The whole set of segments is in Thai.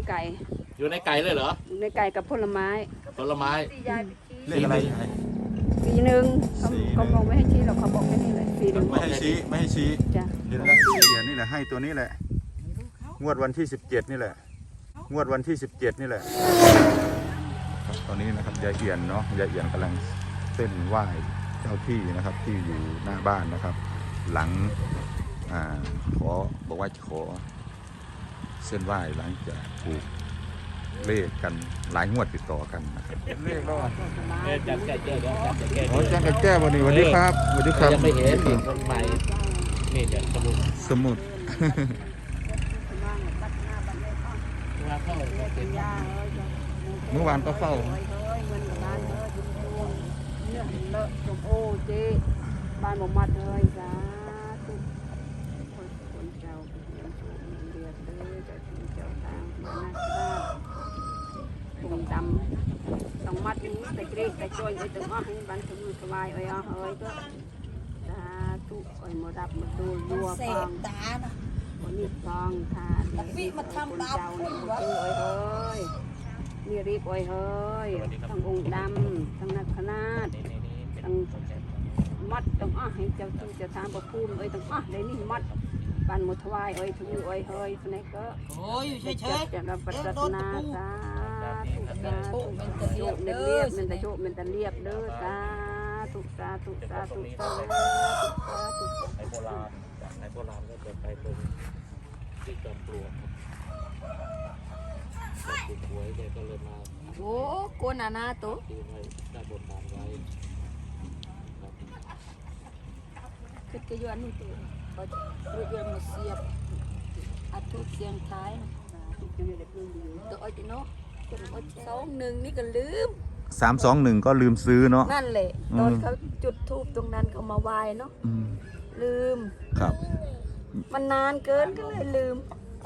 ไก่อยู่ในไก่เลยเหรออยู่ในไก่กับผลไม้ผลไม้เลขอะไรสีหนึ่งเขาบอกไม่ให้ชี้หรอกเขาบอกแค่นี้เลยสีหนึ่งไม่ให้ชี้จ้ะเห็นแล้วเหรียญนี่แหละให้ตัวนี้แหละงวดวันที่17นี่แหละงวดวันที่17นี่แหละตอนนี้นะครับยายเอียนเนาะยายเอียนกำลังเส้นไหว้เจ้าที่นะครับที่อยู่หน้าบ้านนะครับ หลังขอบอกว่าจะขอเส้นไหว้หลังจากถูกเลขกันหลายงวดติดต่อกันนะครับเลขแล้วจัดแก้เดี๋ยวจัดแก้อ๋อแจ้งแก้วันนี้สวัสดีครับสวัสดีครับยังไม่เห็นอีกคนใหม่นี่เดี๋ยวสมุด ว่าเข้าเป็นเมื่อวานก็เฝ้าบ้านหมมัดเลยจ้าทุกคนเจ้าเรียนสูงเรียนเลยเจ้าที่เจ้าทางมาหน้าบ้านผมดำต้องมัดนี้แต่เกรดแต่จอยไอ้ตัวอ้อให้บ้านสมุนสบายเอ้ยอ้อเฮ้ยก็จ้าทุกไอ้หมดับมาดูยัวฟังวันนี้ฟังทานคนเจ้าเนี่ยเอ้ยเฮ้ยนี่รีบเอ้ยเฮ้ยทั้งองค์ดำทั้งนักขนาดทั้งมัดต้องอ้อให้เจ้าที่เจ้าทางประภูมิเอ้ยต้องอ้อเลยนี่มัดบ้านหมดทวายเอ้ยทุกเอ้ยเฮ้ยคนนี้ก็โอ้ยเฉยๆจะรับปัจจันาสาธุสาธุโยมเรียบมันจะโยมมันจะเรียบเด้อสาธุสาธุสาธุสาธุในโบราณในโบราณก็จะไปตรงที่จอมปลวกติดหวยเลยก็เลยมาโอ้โกนานาตัวตีไว้ได้บทบาทไว้คือจะย้อนนี่ตัวเขาจะเรียนมาเสียบอาทุเสียงท้ายตัวอ้อยติโน่ตัวอ้อย21นี่ก็ลืม 321ก็ลืมซื้อเนาะนั่นแหละตอนเขาจุดธูปตรงนั้นเขามาไหว้เนาะลืมครับมันนานเกินก็เลยลืม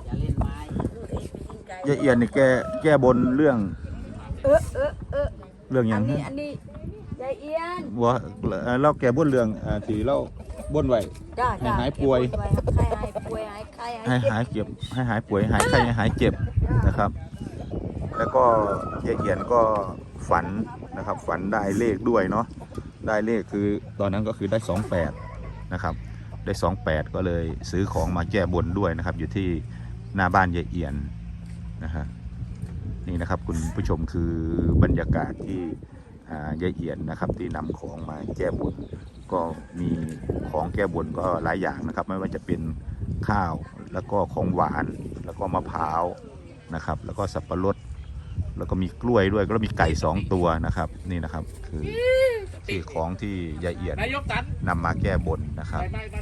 ยายเอียนนี่แก้บนเรื่องเรื่องอย่างอันนี้ยายเอียนว่าเราแก้บนเรื่องที่เราบนไว้จ้าให้หายป่วยให้หายป่วยหายไข้ให้หายเจ็บให้หายป่วยหายไข้หายเจ็บนะครับ แล้วก็ยายเอียนก็ฝันนะครับฝันได้เลขด้วยเนาะได้เลขคือตอนนั้นก็คือได้28นะครับได้28ก็เลยซื้อของมาแก้บนด้วยนะครับอยู่ที่หน้าบ้านยายเอียนนะฮะนี่นะครับคุณผู้ชมคือบรรยากาศที่ยายเอียนนะครับที่นำของมาแก้บนก็มีของแก้บนก็หลายอย่างนะครับไม่ว่าจะเป็นข้าวแล้วก็ของหวานแล้วก็มะพร้าวนะครับแล้วก็สับปะรดแล้วก็มีกล้วยด้วยแล้วมีไก่2ตัวนะครับนี่นะครับคือของที่ยายเอียนนำมาแก้บนนะครับ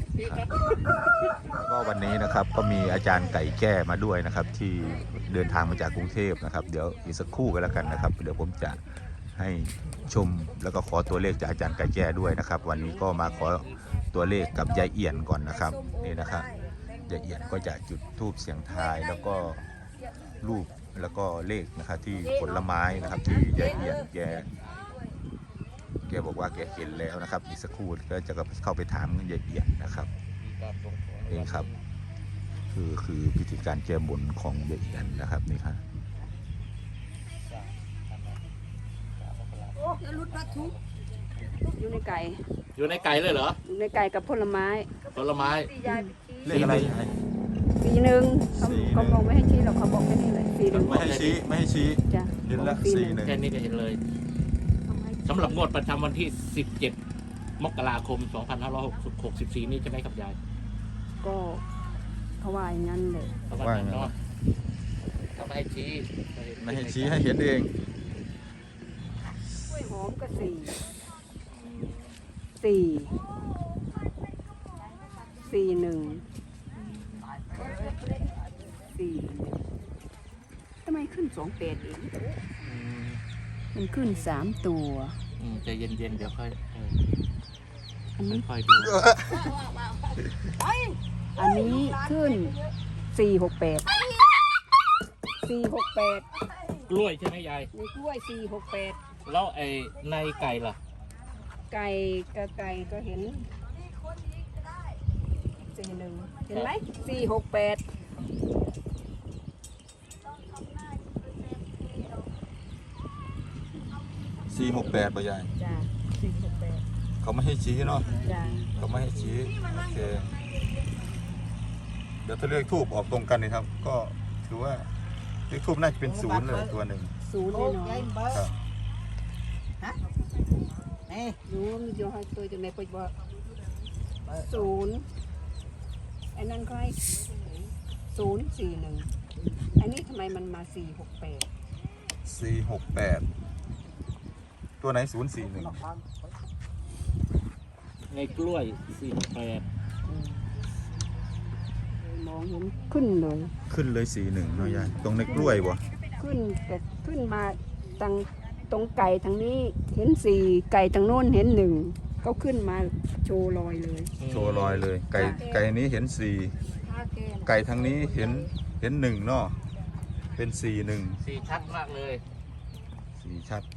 แล้วก็วันนี้นะครับก็มีอาจารย์ไก่แก้มาด้วยนะครับที่เดินทางมาจากกรุงเทพนะครับเดี๋ยวอีกสักครู่กันแล้วกันนะครับเดี๋ยวผมจะให้ชมแล้วก็ขอตัวเลขจากอาจารย์ไก่แก้ด้วยนะครับวันนี้ก็มาขอตัวเลขกับยายเอียนก่อนนะครับนี่นะครับยายเอียนก็จะจุดธูปเสียงทายแล้วก็รูปแล้วก็เลขนะครับที่ผลไม้นะครับที่ยายเอียนแกบอกว่าแกเห็นแล้วนะครับอีกสักครู่ก็จะเข้าไปถามยายเอียนนะครับนี่ครับคือพิธีการแก้บนของยายเอียนนะครับนี่ครับอยู่ในไก่อยู่ในไก่เลยเหรออยู่ในไก่กับผลไม้ผลไม้เลขอะไรสีหนึ่งเขาบอกไม่ให้ชี้หรอกเขาบอกแค่นี้เลยสีหนึ่งไม่ให้ชี้จ้ะเห็นแล้ว41 แค่นี้ก็เห็นเลยสำหรับงวดประจำวันที่17 มกราคม 2564 นี่จะไหมครับยายก็เขาว่าอย่างนั้นเลยเขาว่าอย่างนั้นเนาะเขาไม่ให้ชี้ไม่ให้ชี้ให้เห็นเองกล้วยหอมก็สี่หนึ่งทำไมขึ้น28เองมันขึ้น3ตัวใจเย็นๆเดี๋ยวค่อยอันนี้ค่อยดูอันนี้ขึ้น468 กล้วยใช่ไหมยายในกล้วย468 แล้วในไก่ล่ะไก่กับไก่ก็เห็น41เห็นไหม468 468ป่ะยายจ้า468 เขาไม่ให้ชี้เนาะจ้าเขาไม่ให้ชี้โอเคเดี๋ยวถ้าเลขทูบออกตรงกันนะครับ ก็ถือว่าเลขทูบน่าจะเป็น0เลยตัวหนึ่งศูนย์แน่นอนครับรู้ว่ามันจะให้ตัวจะไม่ปบอกศูนย์ไอ้นั่นก็ให้041อันนี้ทำไมมันมา468 468ตัวไหน041 ในกล้วย48 มองเห็นขึ้นเลยขึ้นเลย41เนาะยายตรงในกล้วยบ่ขึ้นแต่ขึ้นมาตรงไก่ทางนี้เห็น4ไก่ทางโน้นเห็น1เขาขึ้นมาโชว์รอยเลยโชว์รอยเลย ไก่นี้เห็น4ไก่ทางนี้เห็น1เนาะเป็น41 สีชัดมากเลยสีชัด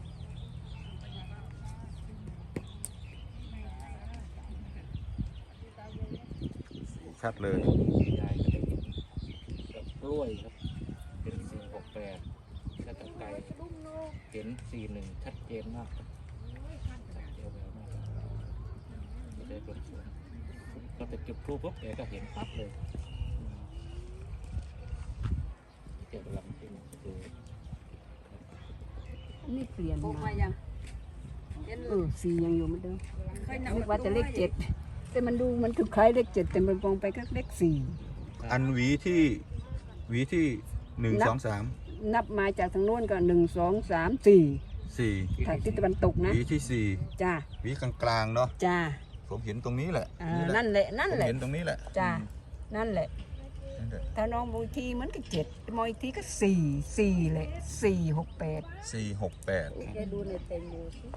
สีชัดเลยยายก็ได้กับกล้วยครับเป็น468แล้วกับไก่เห็น41ชัดเจนมากครับเดียวแล้วมากก็ได้บนสวนก็จะจุดพลุปุ๊บแกก็เห็นปั๊บเลยเกี่ยวกับลำที่ดูนี่เปลี่ยนมา4ยังอยู่เหมือนเดิมนึกว่าจะเลข7แต่มันดูมันถูกคล้ายเลข7แต่มันมองไปก็เลข4 อันหวีที่1 2 3 นับมาจากทางโน้นก็1 2 3 4 4 ทางทิศตะวันตกนะหวีที่จ้า 4หวีกลางๆเนาะจ้าผมเห็นตรงนี้แหละนั่นแหละผมเห็นตรงนี้แหละจ้านั่นแหละนั่นแหละถ้าน้องมองอีกทีมันก็7มองอีกทีก็4เลย468 468 แกดูในเต็มดูสิ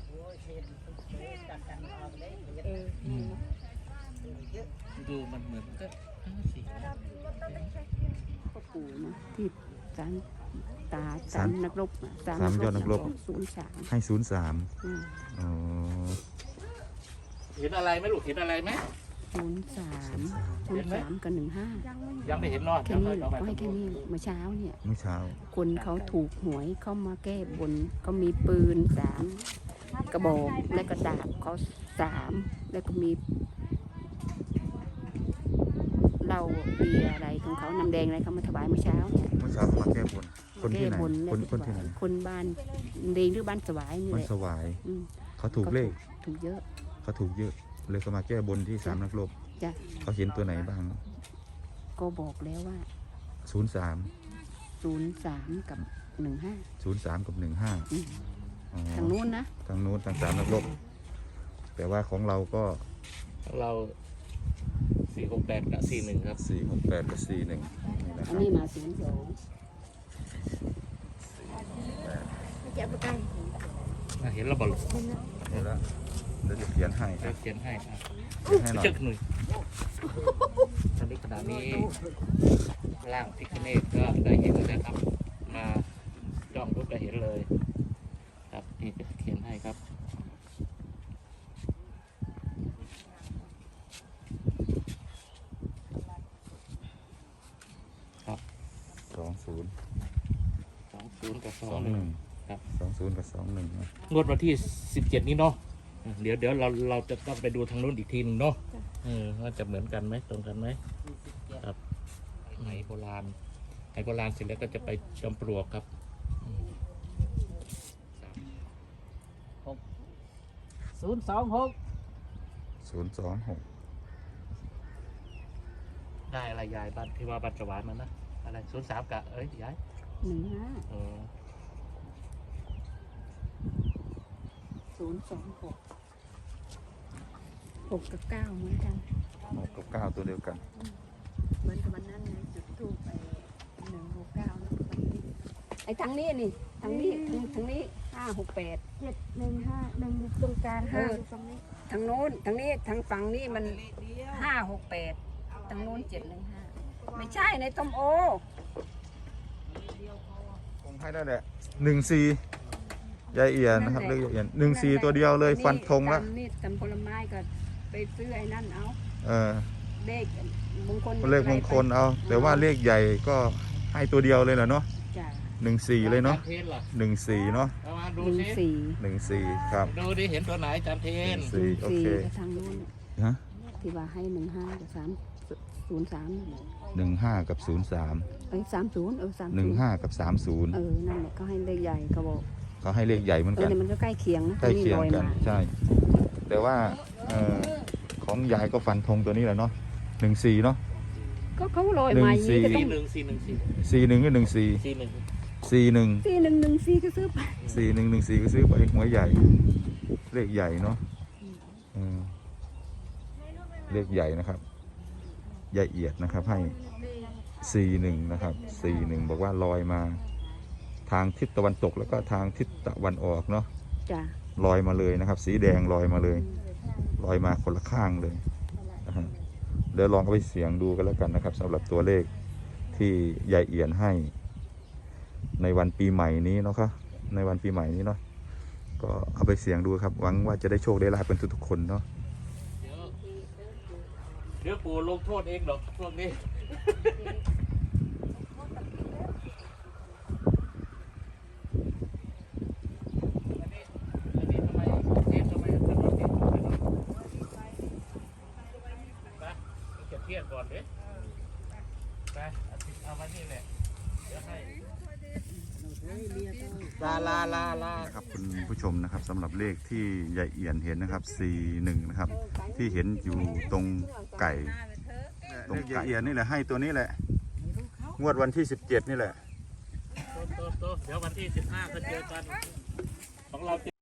ดูมันเหมือนก็สีพ่อปู่นะที่สามตาสามนักรบสามยอดนักรบ 03 ให้ 03อ๋อเห็นอะไรไหมลูกเห็นอะไรไหม 03กับ15 ยังไม่เห็นเนาะแค่นี้หรอกก็ให้แค่นี้เมื่อเช้าเนี่ยเมื่อเช้า คนเขาถูกหวยเข้ามาแก้บนเขามีปืน3กระบอกและก็ดาบเขา3แล้วก็มีเหล้าเบียร์อะไรของเขาน้ำแดงอะไรเขามาถวายเมื่อเช้าเนี่ยเมื่อเช้าเขามาแก้บนคนที่ไหนแก้บนคนที่ไหนคนบ้านเดงหรือบ้านสวายนี่มันแหละสวายอืมเขาถูกเลขถูกเยอะเขาถูกเยอะเลยเขามาแก้บนที่3นักรบจ้ะเขาเห็นตัวไหนบ้างก็บอกแล้วว่า 03 03กับ15 03กับ15 อืมอ๋อทางนู้นนะทางนู้นทาง3นักรบแต่ว่าของเราก็เรา468กับ41ครับ 468กับ41นี่นะคอัรับนนี้มา02จะประกันเห็นเราบอกนี่แล้วเดี๋ยวจะเขียนให้คจะรับเขียนให้อ่ะเขียนให้หน่อยจึกหน่อยตอนนี้ขณะนี้ร่างพิคเนตก็ได้เห็นแล้วนะครับ มาจ้องรูปก็เห็นเลย ครับนี่จะเขียนให้ครับ ครับ 20 20กับ21 21 ครับ 20กับ21นะงวดวันที่17นี้เนาะเดี๋ยวเราจะต้องไปดูทางนู้นอีกทีหนึงเนาะว่าจะเหมือนกันไหมตรงกันไหมครับไหโบราณไหโบราณเสร็จแล้วก็จะไปจอมปลวกครับ 026 ได้อะไรยายบ้านที่ว่าบ้านสวายมันนะอะไร03กับยาย 15 เออ 026 6กับ9เหมือนกัน 6กับ9ตัวเดียวกันเหมือนกับวันนั้นไงจุดทูปไป169นะไอ้ทางนี้นี่ทางนี้568 715 1ตรงกลาง5ตรงนี้ทางโน้นทางนี้ทางฝั่งนี้มัน568ทางโน้น715ไม่ใช่ในต้มโอคงให้ได้แหละ14ยายเอียนนะครับเลขยายเอียน14ตัวเดียวเลยฟันธงแล้วนี่ตำผลไม้ก็ไปซื้อไอ้นั่นเอา เลขมงคลเลขมงคลเอา แต่ว่าเลขใหญ่ก็ให้ตัวเดียวเลยเหรอเนาะจ้ะ 14เลยเนาะจเทนล่ะ 14เนาะเอามาดูหนึ่งสิสี่ 14ครับดูดิเห็นตัวไหนจานเทน 14โอเคกับทางนู้นฮะที่ว่าให้15กับ303 15กับ03 30 15กับ30 นั่นแหละก็ให้เลขใหญ่เขาบอกเขาให้เลขใหญ่เหมือนกันเนี่ยมันก็ใกล้เคียงนะใกล้เคียงกันตัวใช่ แต่ว่าของยายก็ฟันธงตัวนี้แหละเนาะ14เนาะก็เขาลอยมาอย่างนี้ก็ต้อง 41กับ14 4114ก็ซื้อไป 4114ก็ซื้อไปหัวใหญ่ เลขใหญ่เนาะเลขใหญ่นะครับยายเอียดนะครับให้41นะครับ41บอกว่าลอยมาทางทิศตะวันตกแล้วก็ทางทิศตะวันออกเนาะจ้ะลอยมาเลยนะครับ สีแดงลอยมาเลยลอยมาคนละข้างเลยนะฮะเดี๋ยวลองเอาไปเสียงดูกันแล้วกันนะครับสำหรับตัวเลขที่ยายเอียนให้ในวันปีใหม่นี้เนาะครับในวันปีใหม่นี้เนาะก็เอาไปเสียงดูครับหวังว่าจะได้โชคได้ลาภเป็นทุกๆคนเนาะเดี๋ยวปู่ลงโทษเองหรอกพวกนี้เทียบก่อนดิไปเอามานี่แหละเดี๋ยวให้ลาครับคุณผู้ชมนะครับสำหรับเลขที่ยายเอียนเห็นนะครับ41นะครับที่เห็นอยู่ตรงไก่ตรงไก่ยายเอียนนี่แหละให้ตัวนี้แหละงวดวันที่17นี่แหละโตเดี๋ยววันที่15ก็เจอกันของเรา